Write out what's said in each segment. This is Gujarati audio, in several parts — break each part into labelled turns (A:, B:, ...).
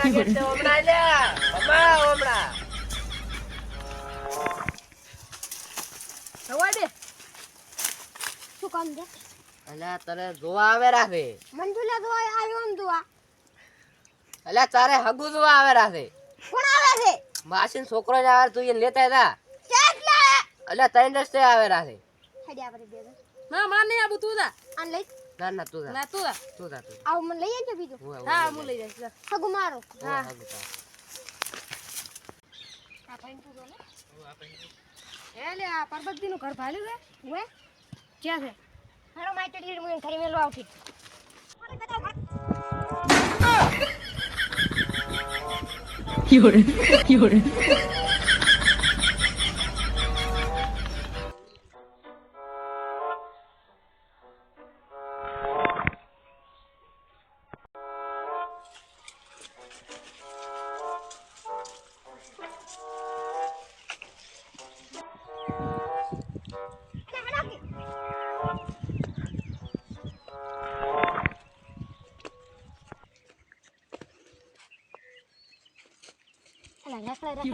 A: લાગે છે ઓમણા લ્યા બાબા ઓમણા
B: હવા દે શું કામ છે
A: અલ્યા તને જોવા આવે રાખે
B: મન તો લાગવા આવ્યો ને તું
A: અલ્યા તારે હગુ જોવા આવે રાખે
B: કોણ આવે છે
A: માસીન છોકરો જ આવે તું એને લેતા હતા
B: કેટલા
A: અલ્યા ત્રણ રસ્તે આવે રાખે
B: હેડી આપણે બે
C: ના માર નહીં આબુ તું જા
B: આન લઈ
A: ના ના તું જા
C: ના તું જા
A: તું જા તું
B: આવ મને લઈ આવજો બીજું
C: હા હું લઈ જઈશ જા.
B: સગુ મારો
A: હા
C: હા.
B: આ ભાઈ તું ને
C: એ લે આ પરબતજી નું ઘર ભાલ્યું છે
B: હું
C: ક્યાં છે
B: હારો માઈટે ડીર મને ઘરે મેલો આવતી અલા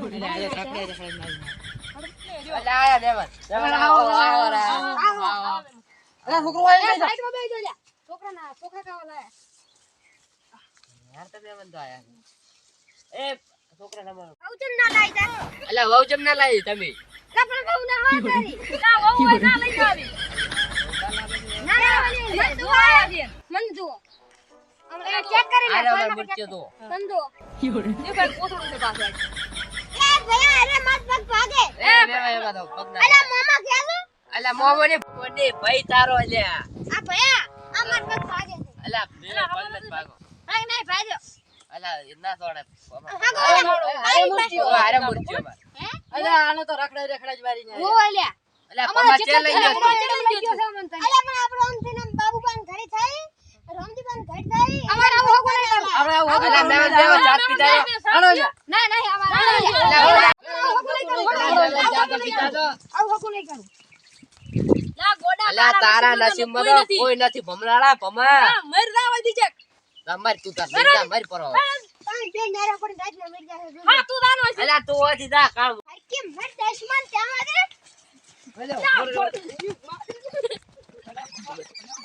A: અલ્યા આયા દેવન દેવન આવો આવો
C: અરે છોકરો આય
B: એ સાઈડમાં બેસી જા
C: છોકરા કાવા લાયા
A: યાર તો દેવન તો આયા એ છોકરા તમારો
B: આવજન ના લાઈ જા
A: અલ્યા વહુ જમ ના લાવી તમે
B: કપડા બહુ ના હા તારી
C: ના વહુ હોય ના લઈ જાવી
B: ના લાવવાની મન તું આયા છે મન તું હમણાં ચેક કરી લે
A: આરે ઓલા મુચ્યો તો
B: મન તું
C: એ ભાઈ કોથળું છે પાછળ
B: એ ભયા અરે મત પગ ભાગે
A: એ બેવા એવા તો પગના
B: અલા મામા કેજો
A: અલ્યા મોમો ને કોને ભાઈ તારો અલ્યા
B: આ ભયા આ મત પગ ભાગે છે
A: અલ્યા બેવા પગ ન ભાગો
B: નહીં નહીં ભાજો
A: અલ્યા ના સોડે
B: આરે મુર્તિઓ
A: આરે મુચ્યો માર
B: હે
C: અરે આનો તો રખડા જ મારી ને
B: ઓ અલ્યા
A: અલ્યા પમા ચે લઈ ગયો
B: અલ્યા પણ આપણો આમ થઈને બાબુબાન ઘરે થઈ રામજીબાન ઘરે થઈ અમાર આવો હોગો નહીં કરો
C: આપણે આવું
A: અલ્યા મેં દેવો જાત પીતા
C: હાલો જા
B: ના નહીં અમાર
A: અલ્યા
B: હોગો નહીં કરો
A: જાત પીતા તો
B: આવું હોગો નહીં કરું
C: લા ગોડા
A: અલ્યા તારા નસીબમાં તો કોઈ નથી ભમરાળા ભમા
C: મર જાવા દીજે
A: તમાર તું તાર મર પરો
B: તાઈ બે નારા પડી રાત ને મરી જાય
C: હા તું જાનો છે
A: અલ્યા તું ઓથી જા કામ
B: હર કેમ મર દશમન ત્યાં દે
A: અલ્યા